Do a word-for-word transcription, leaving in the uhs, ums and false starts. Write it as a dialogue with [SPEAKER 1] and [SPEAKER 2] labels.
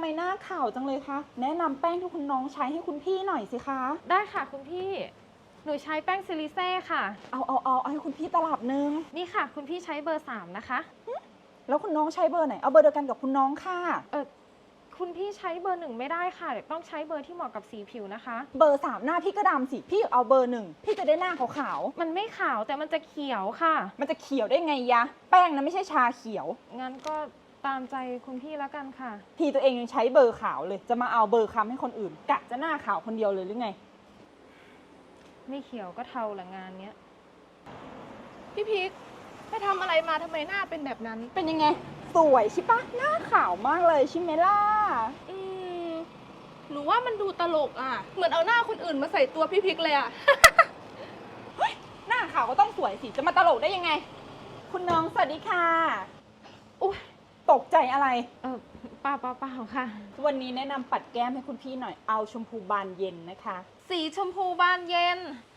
[SPEAKER 1] มหน้าขาวจังเลยคะแนะนำแป้งที่คุณน้องใช้ให้คุณพี่หน่อยสิคะ
[SPEAKER 2] ได้ค่ะคุณพี่หนูใช้แป้งซิลิเซ่ค่ะ
[SPEAKER 1] เอาเอาเอาเอาให้คุณพี่ตลับนึง
[SPEAKER 2] นี่ค่ะคุณพี่ใช้เบอร์สามนะคะ
[SPEAKER 1] แล้วคุณน้องใช้เบอร์ไหนเอาเบอร์เดียวกันกับคุณน้องค่ะ
[SPEAKER 2] เออคุณพี่ใช้เบอร์หนึ่งไม่ได้ค่ะเดี๋ยวต้องใช้เบอร์ที่เหมาะกับสีผิวนะคะ
[SPEAKER 1] เบอร์สามหน้าพี่ก็ดำสิพี่เอาเบอร์หนึ่งพี่จะได้หน้าขาว
[SPEAKER 2] ๆมันไม่ขาวแต่มันจะเขียวค่ะ
[SPEAKER 1] มันจะเขียวได้ไงยะแป้งนะไม่ใช่ชาเขียว
[SPEAKER 2] งั้นก็ตามใจคุณพี่แล้วกันค่ะ
[SPEAKER 1] พี่ตัวเองยังใช้เบอร์ขาวเลยจะมาเอาเบอร์คล้ำให้คนอื่นกะจะหน้าขาวคนเดียวเลยหรือไง
[SPEAKER 2] ไม่เขียวก็เทาละงานเนี้ย
[SPEAKER 3] พี่พิกไปทำอะไรมาทำไมหน้าเป็นแบบนั้น
[SPEAKER 1] เป็นยังไงสวยใช่ปะหน้าขาวมากเลยใช่ไหมล่ะ
[SPEAKER 3] อืมหนูว่ามันดูตลกอ่ะเหมือนเอาหน้าคนอื่นมาใส่ตัวพี่พิกเลยอ่ะ
[SPEAKER 1] เฮ้ยหน้าขาวก็ต้องสวยสิจะมาตลกได้ยังไงคุณน้องสวัสดีค่ะ
[SPEAKER 2] อุ๊ย
[SPEAKER 1] ตกใจอะไร
[SPEAKER 2] เออเปล่าเปล่าเปล่าค่ะ
[SPEAKER 1] วันนี้แนะนำปัดแก้มให้คุณพี่หน่อยเอาชมพูบานเย็นนะคะ
[SPEAKER 2] สีชมพูบานเย็น